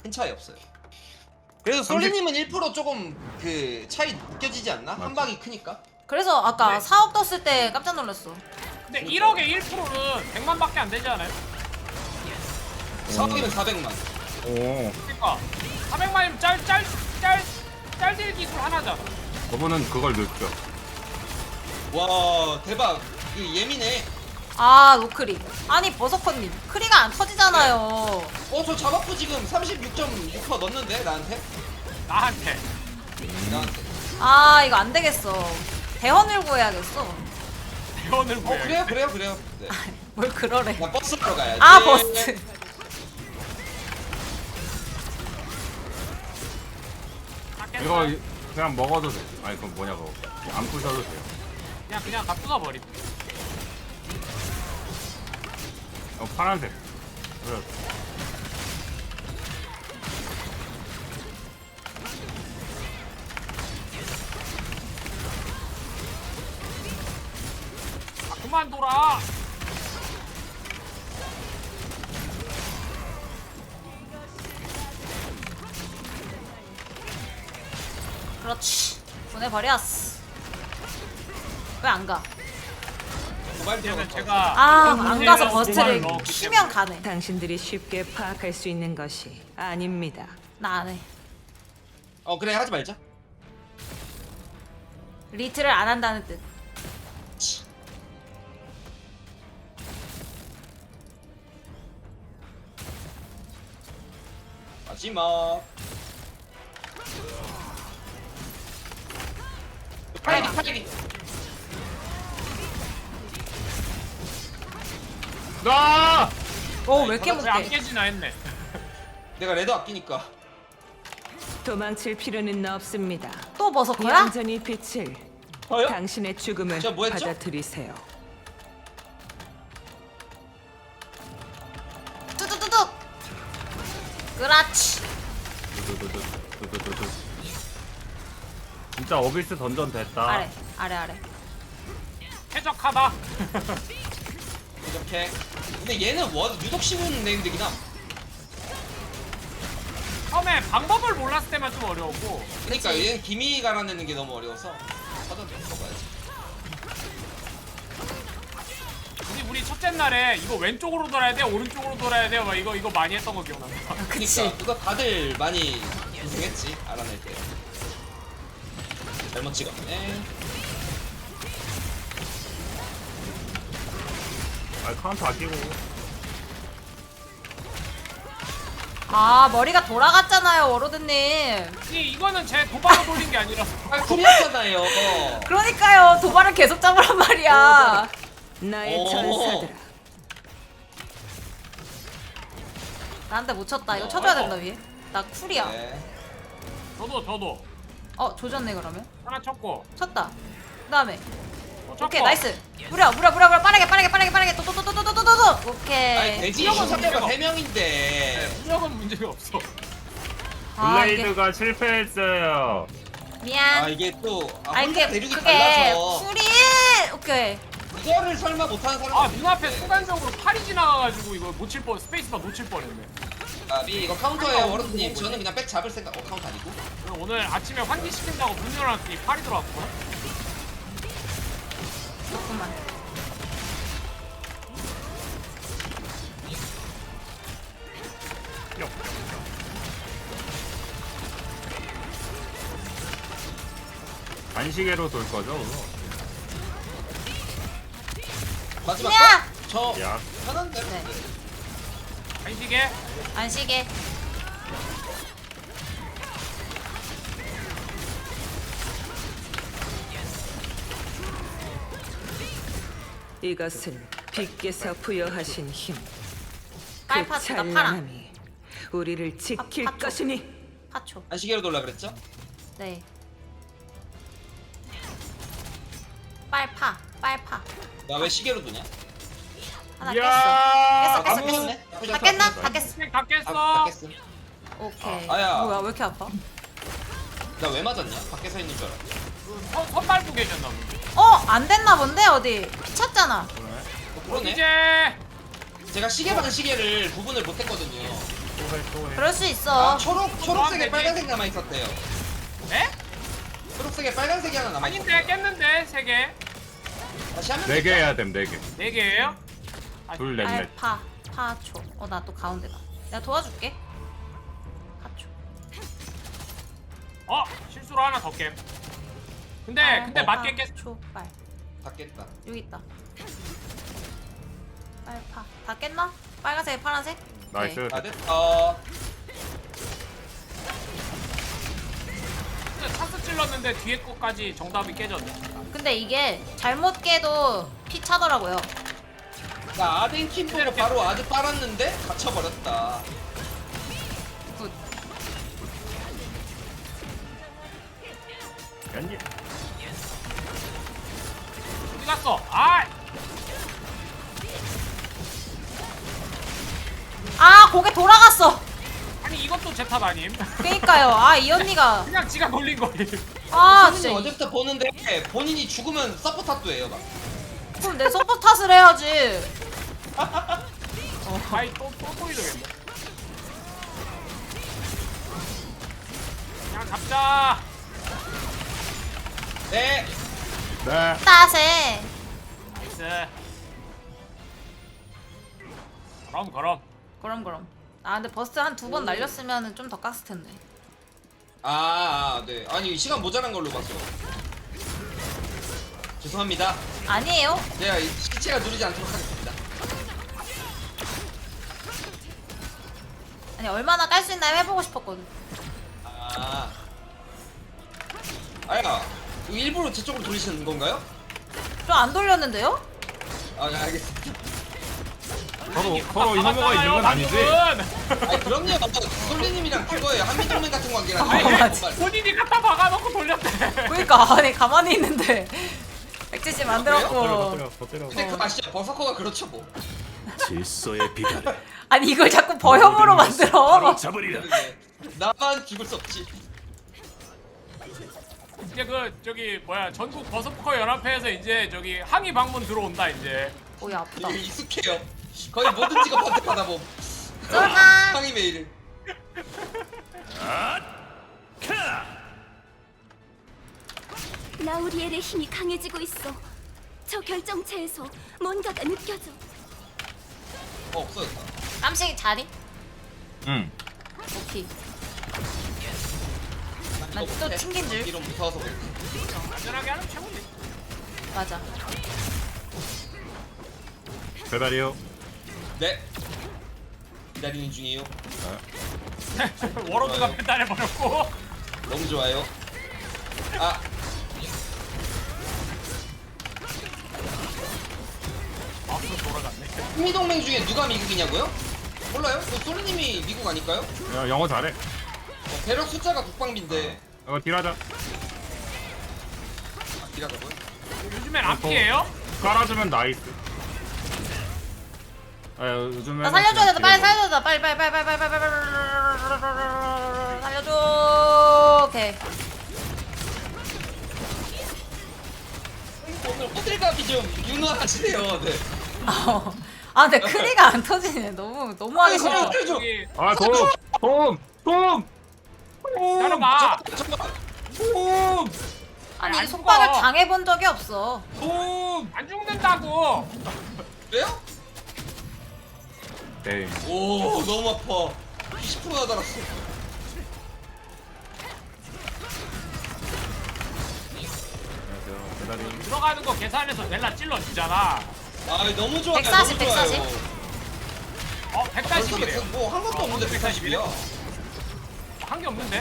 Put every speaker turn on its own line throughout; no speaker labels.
큰 차이 없어요. 그래서 솔리님은 1% 조금 그 차이 느껴지지 않나? 한 방이 크니까.
그래서 아까
네.
4억 떴을 때 깜짝 놀랐어.
근데 1억에 1%는 100만밖에 안 되지 않아요?
4억이면 400만.
오.
그러니까 400만이면 짤딜 기술 하나잖아.
저분은 그걸 느껴.
와 대박. 이거 예민해.
아 노크리. 아니 버서커님 크리가 안 터지잖아요.
저 잡았고 지금 36.6% 넣었는데 나한테?
나한테.
나한테.
아 이거 안 되겠어. 대헌을 구해야겠어.
대원을 구해.
그래요. 네.
뭘 그러래.
나 버스 타러 가야지.
아 버스.
이거 그냥 먹어도 돼. 아니 그건 뭐냐고. 안 부셔도 돼요.
그냥 다 부숴버림.
파란색. 그래.
그만 돌아.
그렇지. 보내버렸어. 왜 안 가?
도발
이제는
들어갔다.
제가
아 안 가서
도발을
버스를
넣었기
키면 가네.
당신들이 쉽게 파악할 수 있는 것이 아닙니다.
나 안 해.
그래 하지 말자.
리트를 안 한다는 뜻.
마지막. 팔기.
나!
왜 이렇게
왜안
못해?
깨지나 했네.
내가 레드 아끼니까.
도망칠 필요는 없습니다.
또 버서커야?
얌전히 빛을
저요?
당신의 죽음을
저 뭐 했죠?
받아들이세요.
뚜두두둑. 그렇지.
두두두두두두두두. 진짜 어비스 던전 됐다.
아래.
쾌적하다.
이렇게. 근데 얘는 유독 쉬운 네임드긴 함.
처음에 방법을 몰랐을 때만 좀 어려웠고.
그러니까 얘는 기미 갈아내는 게 너무 어려워서 사전 좀 써봐야지.
우리 첫째 날에 이거 왼쪽으로 돌아야 돼, 오른쪽으로 돌아야 돼요. 막 이거 많이 했던 거 기억난다.
그치.
그러니까 그거 다들 많이 고생했지 알아낼 때. 잘못 찍었네.
카운터 아끼고.
아 머리가 돌아갔잖아요 워로드님.
이거는 제 도발로 돌린 게 아니라서.
쿨이었잖아요.
그러니까요 도발을 계속 잡으란 말이야.
나의
오.
전사들아.
나한테 못 쳤다. 이거 쳐줘야 된다 위에. 나 쿨이야.
네.
저도
조졌네 그러면.
하나 쳤고.
쳤다. 그다음에
쳤고.
오케이 나이스. 무려 빠르게 또또또또또또또또또또. 오케이.
아니 돼지
수영은
상대가
문제가
3명인데.
수력은 문제가 없어.
이게
블레이드가 실패했어요.
미안.
이게 또
아
혼자
이게
대륙이
그게
달라서
쿨이. 오케이.
이거를 설마 못하는 사람.
눈앞에 순간적으로 팔이 지나가가지고 이거 놓칠 뻔, 스페이스바 놓칠 뻔했네.
이거 카운터예요 워런님. 저는 그냥 백 잡을 생각. 카운터 아니고.
오늘 아침에 환기시킨다고 문 열어놨더니 팔이 들어왔구나.
조금만.
반시계로 돌 거죠?
마지막
야!
거? 저
야.
편한데.
네.
간식에
안시게.
이것은 빛께서 부여하신 힘. 그
빨파츠다 파랑.
찬란함이 우리를 지킬
파초.
것이니.
파초.
안시계로 돌라 그랬죠?
네. 빨파.
나 왜 시계로 도냐?
하나
야!
깼어.
안 깼네.
다 깼나? 다 깼어.
스낵 다 깼어.
다 깼음.
오케이.
아야.
뭐야 왜 이렇게 아파?
나 왜 맞았냐? 밖에서 있는 줄 알았어.
선 밟고 계셨나 본데.
안 됐나 본데 어디? 피쳤잖아.
그러네.
이제
제가 시계 반 시계를 구분을 못했거든요.
그럴 수 있어.
아 초록색에 빨간색 남아 있었대요.
네?
초록색에 빨간색이 하나 남아 있었.
아닌데 깼는데 3개.
다시 하면
4개 해야 됨 4개.
4개예요?
둘 넷넷.
알파 파초. 나 또 가운데다. 내가 도와줄게. 파초.
실수로 하나 더 깹. 근데 맞게 깼.
초빨.
다 깼다.
여기 있다. 빨파. 다 깼나? 빨간색, 파란색?
나이스.
네.
아 됐어.
차스 찔렀는데 뒤에 거까지 정답이 깨졌네.
근데 이게 잘못 깨도 피 차더라고요.
나 아덴 킴보로 바로 아드 빨았는데 갇혀버렸다.
굿.
연기.
어디 갔어? 아!
고개 돌아갔어.
아니 이것도 제 탓 아님?
그니까요. 이 언니가.
그냥 지가 걸린 거임.
선생님
진짜.
어제부터 보는데 본인이 죽으면 서포 탓도 해요 막.
그럼 내 서포 탓을 해야지.
아이 또 보이더겠네. 그냥 잡자.
네.
네.
따세.
나이스. 그럼.
그럼. 근데 버스 한 2번 날렸으면 좀 더 깠을 텐데.
네. 아니 시간 모자란 걸로 봤어. 죄송합니다.
아니에요.
제가 이 시체가 누르지 않도록 하겠습니다.
아니 얼마나 깔 수 있나 해보고 싶었거든.
아야, 이거 일부러 제 쪽으로 돌리시는 건가요?
좀 안 돌렸는데요?
네, 알겠습니다.
서로 혐오가 있는 건 아니지?
아니 그럼요. 솔리님이랑 그거예요. 한미동맹 같은 관계라서.
맞지.
본인이 갖다 박아놓고 돌렸대.
그러니까 아니 가만히 있는데 170 만들었고.
더 때려.
근데 그거 아시죠? 버서커가 그렇죠 뭐.
질서의 비달을
아니 이걸 자꾸 버형으로 만들어.
잡으리라.
나만 죽을 수 없지.
이제 저기 전국 버서커 연합회에서 이제 저기 항의 방문 들어온다 이제.
오이 아프다.
이게 익숙해요. 거의 모든 직업한테 받아봄.
쫄아.
항의 메일을.
라우리엘의 힘이 강해지고 있어. 저 결정체에서 뭔가가 느껴져.
없어졌다.
깜찍이 자리?
응.
오케이.
난
난
이거
또
못해.
튕긴 줄.
이런 무서워서 그래.
안전하게 하는 최고지.
맞아.
배달이요.
네. 기다리는 중이에요.
워로드가 배달해버렸고.
너무 좋아요.
마우스 돌아갔네.
한미동맹 중에 누가 미국이냐고요? 몰라요? 솔리님이 미국 아닐까요?
야, 영어 잘해.
배럭 숫자가 국방비인데.
이거 딜하자.
이라고요?
요즘엔 앞뒤에요?
깔아주면 나이스. 요즘에.
나 살려줘야 돼. 빨리 살려줘야 돼. 빨리 살려줘. 오케이.
오늘 호들갑이 좀 유능하시네요. 네.
근데 크리가 안 터지네. 너무 하기 싫어.
저기
도움.
따라가.
잠깐만.
아니
안
속박을
죽어.
당해본 적이 없어.
안 죽는다고.
그래요?
네.
오 너무 아파. 20%나 달았어.
안녕하세요. 배달이.
들어가는 거 계산해서 넬라 찔러 주잖아.
너무 좋아요.
140,
너무 좋아요.
140이래.
뭐한 것도 없는데 140이야.
한 게 없는데?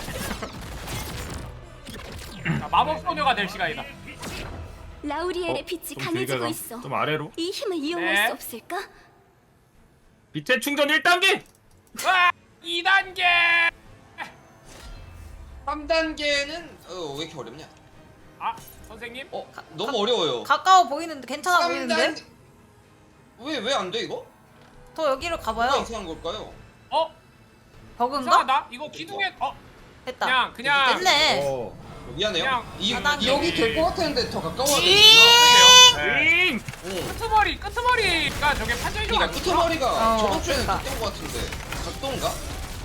자, 마법 소녀가 될 시간이다.
라우리엘의 빛이
좀
강해지고
길게 가.
있어.
좀 아래로.
이 힘을 이용할
네.
수 없을까?
빛의 충전 1단계.
와! 2단계!
3단계는 왜 이렇게 어렵냐?
아, 선생님?
너무 어려워요.
가까워 보이는데 괜찮아 보이는데?
왜 안 돼 이거?
더 여기로
뭐가
가봐요.
이상한 걸까요?
버그인가?
이상하다. 이거 기둥에
됐다.
그냥
됐네.
미안해요.
그냥
이
4단계.
여기 될 것 같았는데 더 가까워야
네.
되겠구나.
끄트머리가 저게 판정이 좀
그러니까
안 좋다.
끄트머리가
어,
저번 주에는
그러니까.
각도인 것 같은데 각도인가?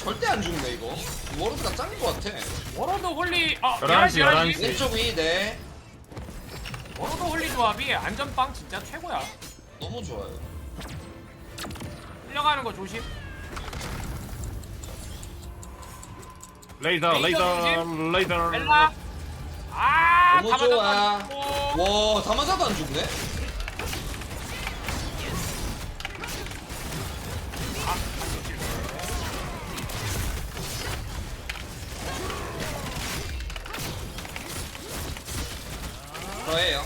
절대 안 죽네 이거. 워로드가 짱인 것 같아.
워로드 홀리
11시, 11시.
왼쪽 위 네.
워로드 홀리 조합이 안전빵 진짜 최고야.
너무 좋아요.
끌려가는 거 조심.
레이더 레이더.
엘라. 아,
너무 좋아.
다 맞았고.
와, 다 맞아도 안 죽네? 저예요.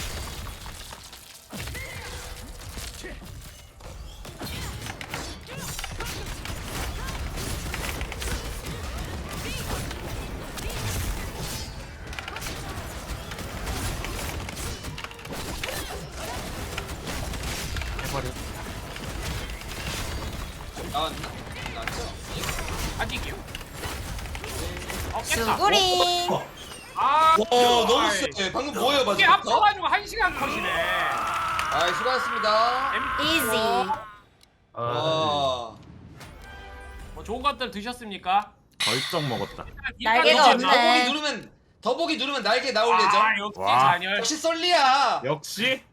나왔나? 나왔죠?
아직이요. 깼다.
수구리.
아,
와, 너무 세. 방금 뭐예요,
이게
마지막부터?
합쳐가지고 1시간 컷이네.
아, 수고하셨습니다.
이지.
와.
뭐 좋은 것들 드셨습니까?
벌쩍 먹었다.
날개가
이제
없네.
더보기 누르면 날개 나올 예정.
역시
와.
잔열.
역시 썰리야.
역시